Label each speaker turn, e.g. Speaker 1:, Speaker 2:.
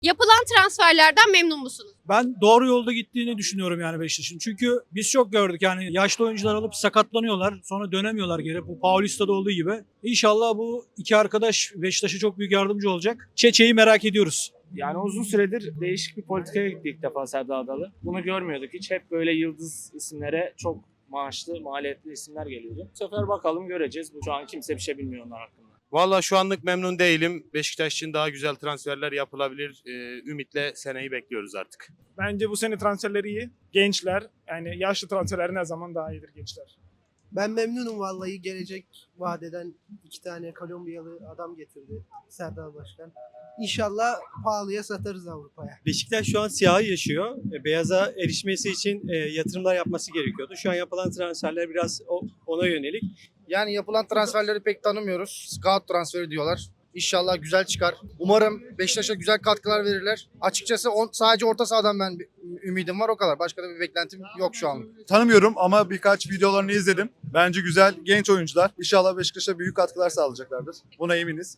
Speaker 1: Yapılan transferlerden memnun musunuz?
Speaker 2: Ben doğru yolda gittiğini düşünüyorum yani Beşiktaş'ın. Çünkü biz çok gördük yani yaşlı oyuncular alıp sakatlanıyorlar. Sonra dönemiyorlar geri. Bu Paulista'da olduğu gibi. İnşallah bu iki arkadaş Beşiktaş'a çok büyük yardımcı olacak. Çeçe'yi merak ediyoruz.
Speaker 3: Yani uzun süredir değişik bir politikaya gitti ilk defa Serdar Adalı. Bunu görmüyorduk hiç. Hep böyle yıldız isimlere çok maaşlı, maliyetli isimler geliyordu. Bu sefer bakalım göreceğiz. Şu an kimse bir şey bilmiyor onlar hakkında.
Speaker 4: Valla şu anlık memnun değilim. Beşiktaş için daha güzel transferler yapılabilir. Ümitle seneyi bekliyoruz artık.
Speaker 5: Bence bu sene transferleri iyi. Gençler, yani yaşlı transferler ne zaman daha iyidir gençler.
Speaker 6: Ben memnunum vallahi, gelecek vadeden 2 tane Kolombiyalı adam getirdi Serdar Başkan. İnşallah pahalıya satarız Avrupa'ya.
Speaker 7: Beşiktaş şu an siyahı yaşıyor. Beyaza erişmesi için yatırımlar yapması gerekiyordu. Şu an yapılan transferler biraz ona yönelik.
Speaker 8: Yani yapılan transferleri pek tanımıyoruz. Scout transferi diyorlar. İnşallah güzel çıkar. Umarım Beşiktaş'a güzel katkılar verirler. Açıkçası sadece orta sahadan ben ümidim var, o kadar. Başka da bir beklentim yok şu an.
Speaker 9: Tanımıyorum ama birkaç videolarını izledim. Bence güzel genç oyuncular. İnşallah Beşiktaş'a büyük katkılar sağlayacaklardır. Buna eminiz.